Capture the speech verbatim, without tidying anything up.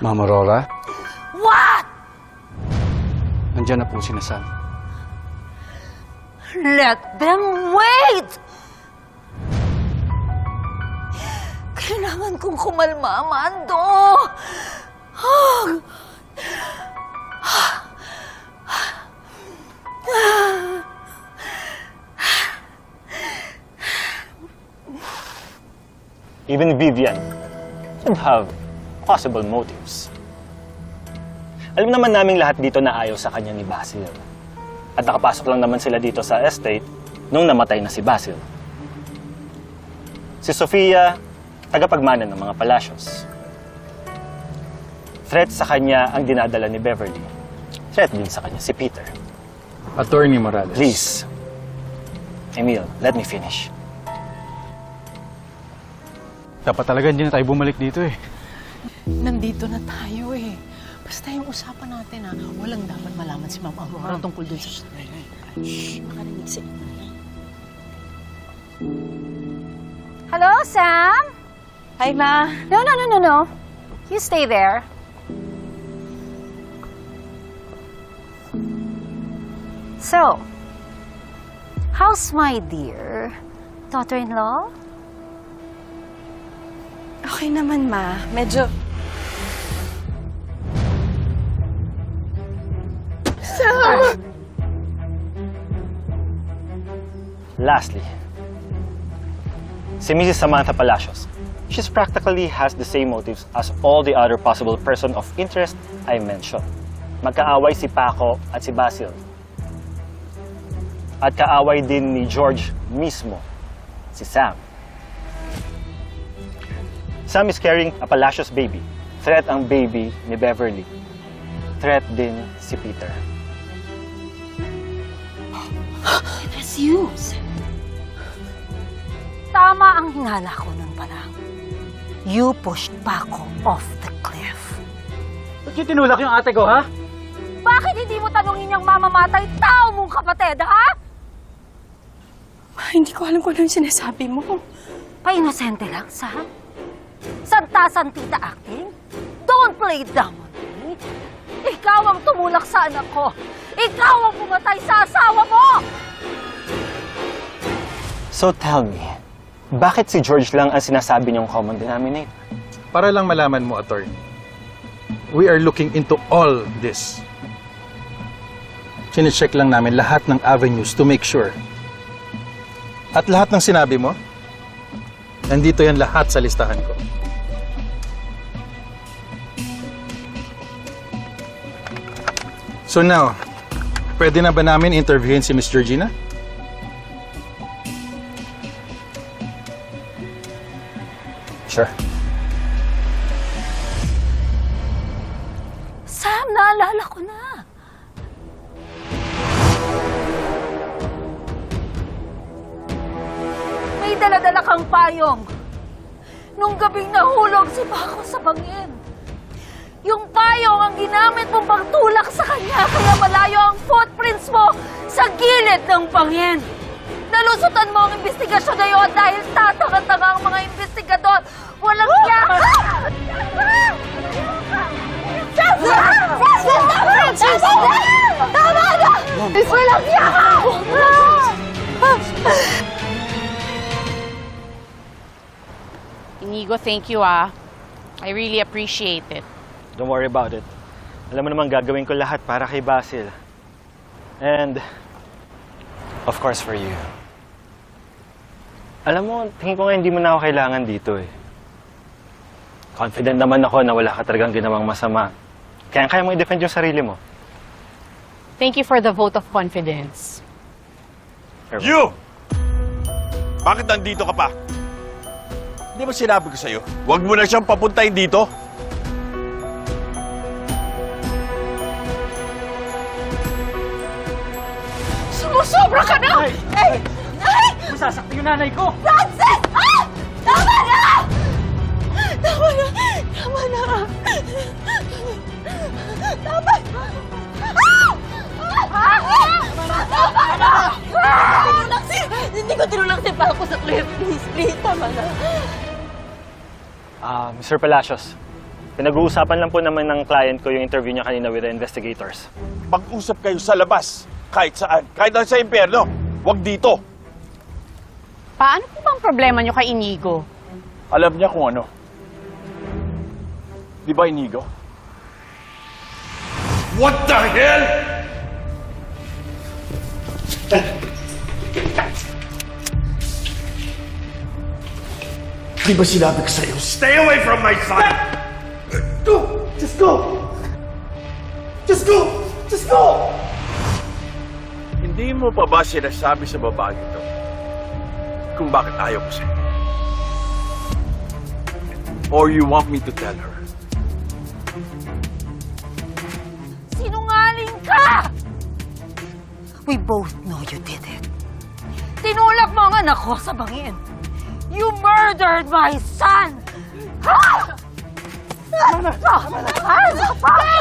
Mama Aurora, What? nandiyan na po si Sam. Let them wait! Kailangan kong kumalma, Amando. Even Vivian could have possible motives. Alam naman naming lahat dito na ayaw sa kanya ni Basil. At nakapasok lang naman sila dito sa estate nung namatay na si Basil. Si Sofia, tagapagmana ng mga palasyos. Threat sa kanya ang dinadala ni Beverly. Threat din sa kanya si Peter. Attorney Morales. Please. Emil, let me finish. Dapat talaga hindi na tayo bumalik dito eh. Nandito na tayo eh. Basta yung usapan natin ha, walang dapat malaman si Ma'am Aurora tungkol dun sa... Shhh, makarinig si Hello, Sam? Hi, Ma. No, no, no, no, no. You stay there. So, how's my dear daughter-in-law? Okay naman, Ma. Medyo... Sam! Lastly, si Missus Samantha Palacios. She's practically has the same motives as all the other possible person of interest I mentioned. Magkaaway si Paco at si Basil. At kaaway din ni George mismo, si Sam. Sam is carrying a Palacios baby. Threat ang baby ni Beverly. Threat din si Peter. It's you, Sam. Tama ang hinala ko nun pa lang. You pushed Paco off the cliff. Ba't yung tinulak yung ate ko, ha? Bakit hindi mo tanungin yung mamamatay tao mong kapatid, ha? Ma, hindi ko alam kung ano yung sinasabi mo. Pa-inosente lang, Sam. Santa-santita acting. Don't play dumb on me. Ikaw ang tumulak sa anak ko. Ikaw ang pumatay sa asawa mo! So tell me, bakit si George lang ang sinasabi niyong common denominator? Para lang malaman mo, attorney, we are looking into all this. Sine-check lang namin lahat ng avenues to make sure. At lahat ng sinabi mo, nandito yan lahat sa listahan ko. So now, pwede na ba namin interviewin si Miss Georgina? Sure. Sam, naalala ko na. May dala-dala kang payong. Nung gabing nahulog si Paco sa bangin. Yung payong ang ginamit mong pagtulak sa kanya, kaya malayo ang footprints mo sa gilid ng bangin. Nalusutan mo ang investigasyon na yun dahil tatanga-tanga ang mga investigador. Walang niya! Tama na! Walang niya! Inigo, thank you ah. I really appreciate it. Don't worry about it. Alam mo naman gagawin ko lahat para kay Basil. And, of course, for you. Alam mo, tingin ko nga hindi mo na ako kailangan dito eh. Confident naman ako na wala ka talagang ginawang masama. Kaya kaya mo i-defend yung sarili mo. Thank you for the vote of confidence. Sure. You! Bakit nandito ka pa? Hindi ba sinabi ko sa'yo? Huwag mo na siyang papuntahin dito. Sumusobra ka na! Ay! Ay! Ay! Masasakti yung nanay ko! Francis! Ah! Tama na! Tama na! Tama na! Tama! Ah! Ah! Tama na! Tinulak si... Hindi ko tinulak si Paco sa cliff. Please, please, tama na. Ah, Mister Palacios, Pinag-uusapan lang po naman ng client ko yung interview niya kanina with the investigators. Mag-usap kayo sa labas. Kahit saan. Kahit sa impyerno. Huwag dito. Paano po bang problema nyo kay Inigo? Alam niya kung ano. Di ba, Inigo? What the hell? Di ba sinabi ko sa'yo, stay away from my son! Go! Just go! Just go! Just go! Hindi mo pa ba sinasabi sa babae ito kung bakit ayaw ko sa'yo? Or you want me to tell her? Sinungaling ka! We both know you did it. Tinulak mo ang anak ko sa bangin. You murdered my son! Ha? Ano? Ano?